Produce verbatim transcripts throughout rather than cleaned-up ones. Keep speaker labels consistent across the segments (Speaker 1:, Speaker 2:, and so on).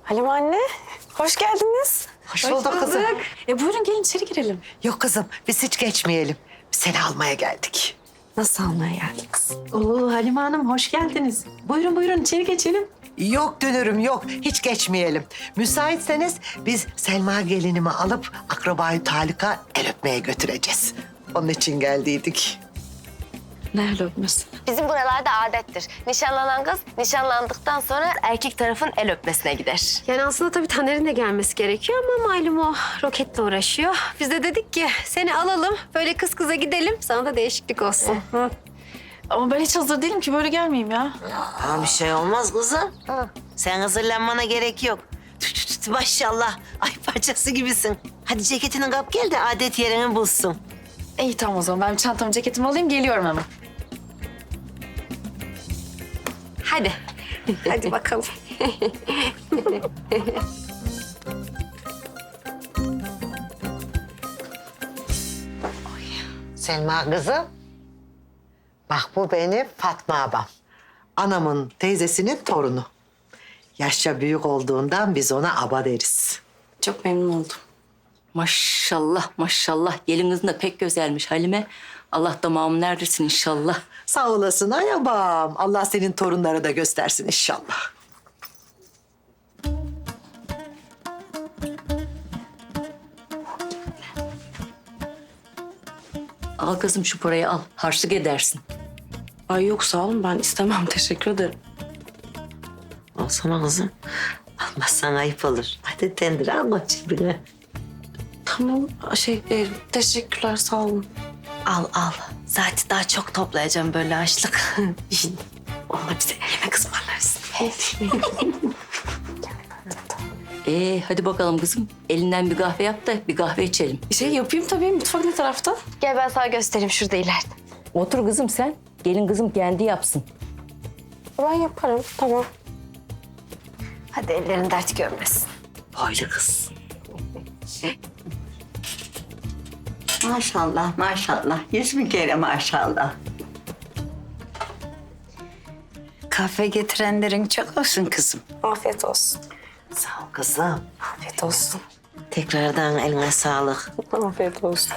Speaker 1: Halime anne, hoş geldiniz.
Speaker 2: Hoş, bulduk kızım.
Speaker 1: E buyurun gelin içeri girelim.
Speaker 2: Yok kızım, biz hiç geçmeyelim. Biz seni almaya geldik.
Speaker 1: Nasıl almaya geldiniz?
Speaker 3: Oo Halime Hanım hoş geldiniz. Buyurun buyurun içeri geçelim.
Speaker 2: Yok dönürüm, yok. Hiç geçmeyelim. Müsaitseniz biz Selma gelinimi alıp akrabayı Talika el öpmeye götüreceğiz. Onun için geldiydik.
Speaker 1: Nerede öpmesi?
Speaker 4: Bizim buralarda adettir. Nişanlanan kız nişanlandıktan sonra erkek tarafın el öpmesine gider.
Speaker 5: Yani aslında tabii Taner'in de gelmesi gerekiyor ama malum o roketle uğraşıyor. Biz de dedik ki seni alalım, böyle kız kıza gidelim. Sana da değişiklik olsun. Hı.
Speaker 1: Ama ben hiç hazır değilim ki böyle gelmeyeyim ya.
Speaker 6: Aa, bir şey olmaz kızım. Sen hazırlanmana gerek yok. Tüt tüt tüt, maşallah. Ay parçası gibisin. Hadi ceketini kap gel de adet yerini bulsun.
Speaker 1: İyi tamam o zaman ben bir çantamı ceketimi alayım geliyorum hemen.
Speaker 5: Hadi. Hadi bakalım.
Speaker 2: Selma kızım. Bak bu benim Fatma abam. Anamın teyzesinin torunu. Yaşça büyük olduğundan biz ona aba deriz.
Speaker 1: Çok memnun oldum.
Speaker 3: Maşallah maşallah gelin de pek güzelmiş Halime. Allah damağım neredesin inşallah.
Speaker 2: Sağ olasın ay abam. Allah senin torunları da göstersin inşallah.
Speaker 3: Al kızım şu parayı al. Harçlık edersin.
Speaker 1: Ay yok sağ olun ben istemem teşekkür ederim.
Speaker 6: Olsana kızım. Almazsan ayıp olur. Hadi tendir alma cebine.
Speaker 1: Tamam şey e, teşekkürler sağ olun.
Speaker 4: Al al. Zaten daha çok toplayacağım böyle açlık.
Speaker 1: Onlar bize yemek ısmarlarsın.
Speaker 3: Ee hadi bakalım kızım. Elinden bir kahve yap da bir kahve içelim.
Speaker 1: Şey yapayım tabii mutfak ne tarafta?
Speaker 4: Gel ben sana göstereyim şurada ileride.
Speaker 3: Otur kızım sen. Gelin kızım kendi yapsın.
Speaker 1: Ben yaparım tamam.
Speaker 4: Hadi ellerin dert görmesin.
Speaker 6: Boylu kız.
Speaker 7: Maşallah, maşallah. Yüz bin kere maşallah. Kahve getirenlerin çok olsun kızım.
Speaker 1: Afiyet olsun.
Speaker 6: Sağ ol kızım.
Speaker 1: Afiyet olsun.
Speaker 6: Tekrardan eline sağlık.
Speaker 1: Afiyet olsun.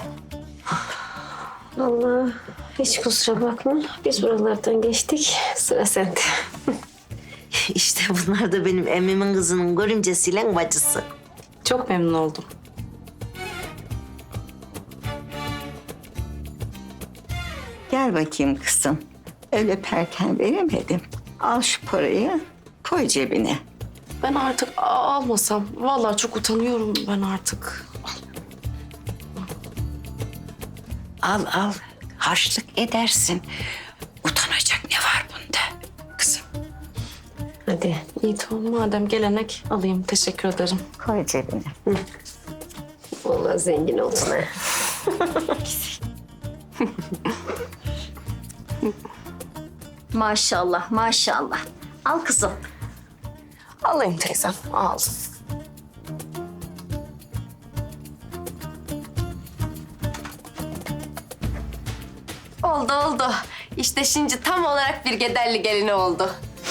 Speaker 5: Allah hiç kusura bakma. Biz buralardan geçtik. Sıra sende.
Speaker 6: İşte bunlar da benim emmimin kızının görümcesiyle bacısı.
Speaker 1: Çok memnun oldum.
Speaker 7: Gel bakayım kızım. Öyle perken veremedim. Al şu parayı, koy cebine.
Speaker 1: Ben artık a- almasam. Vallahi çok utanıyorum ben artık.
Speaker 7: Al al, harçlık edersin. Utanacak ne var bunda kızım?
Speaker 5: Hadi.
Speaker 1: İyi tamam madem gelenek alayım teşekkür ederim.
Speaker 7: Koy cebine.
Speaker 5: Vallahi zengin oldun ha.
Speaker 8: Maşallah, maşallah. Al kızım.
Speaker 1: Alayım teyzem al.
Speaker 4: Oldu oldu. İşte şimdi tam olarak bir gederli gelini oldu.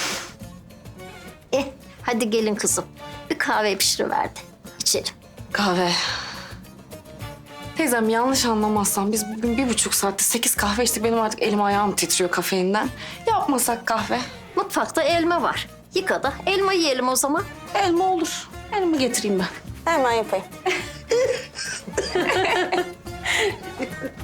Speaker 8: Eh, hadi gelin kızım. Bir kahve pişiriverdi. İçelim.
Speaker 1: Kahve. Teyzem yanlış anlamazsan biz bugün bir buçuk saatte sekiz kahve içtik. Benim artık elim ayağım titriyor kafeinden. Yapmasak kahve.
Speaker 8: Mutfakta elma var. Yıka da elma yiyelim o zaman.
Speaker 1: Elma olur. Elma getireyim ben. Hemen yapayım.